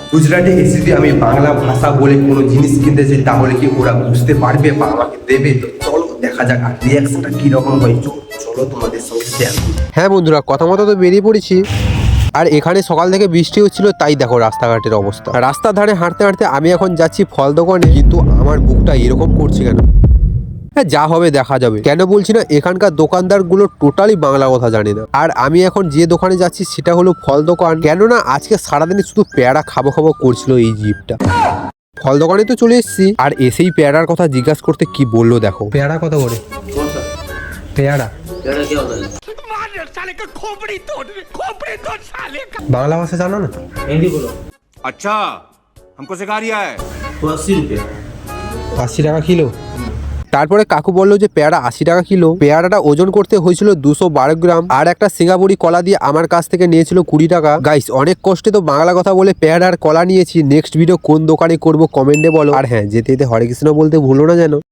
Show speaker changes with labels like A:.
A: গুজরাটে এসে যদি আমি বাংলা ভাষা বলে কোনো জিনিস কিনতে চাই তাহলে কি ওরা বুঝতে পারবে বা আমাকে দেবে? তো চলো দেখা যাক আর রিয়াকশনটা কিরকম হয়। চলো তোমাদের সঙ্গে শেয়ার করি। হ্যাঁ বন্ধুরা, কথা মতো তো বেরিয়ে পড়েছি। আর এখানে সকাল থেকে বৃষ্টি হচ্ছিল, তাই দেখো রাস্তাঘাটের অবস্থা। রাস্তার ধারে হাঁটতে হাঁটতে আমি এখন যাচ্ছি ফল দোকানে, কিন্তু আমার বুকটা এরকম করছে কেন? হ্যাঁ, যা হবে দেখা যাবে। কেন বলছি না, এখানকার দোকানদার গুলো টোটালি বাংলা কথা জানে না। আর আমি এখন যে দোকানে যাচ্ছি সেটা হলো ফল দোকান। কেননা আজকে সারাদিনে শুধু পেয়ারা খাবো খাবো করছিল এই জিপটা। ফল দোকানে তো চলে এসেছি, আর এসেই পেয়ারার কথা জিজ্ঞাসা করতে কি বললো দেখো। পেয়ারা কত করে? পেয়ারা বাংলা ভাষা জানো না?
B: हिंदी बोलो।
C: अच्छा हमको सिखा रिया है।
B: तो 80 रुपये।
A: 80 টাকা কিলো। তারপরে কাকু বললো যে পেয়ারা 80 টাকা কিলো। পেয়ারাটা ওজন করতে হয়েছিল 212 গ্রাম। আর একটা সিঙ্গাপুরি কলা দিয়ে আমার কাছ থেকে নিয়েছিল 20 টাকা। গাইস, অনেক কষ্টে তো বাংলা কথা বলে পেয়ারা আর কলা নিয়েছি। নেক্সট ভিডিও কোন দোকানে করব কমেন্টে বলো। আর হ্যাঁ, যেতে যেতে হরে কৃষ্ণ বলতে ভুলো না যেন।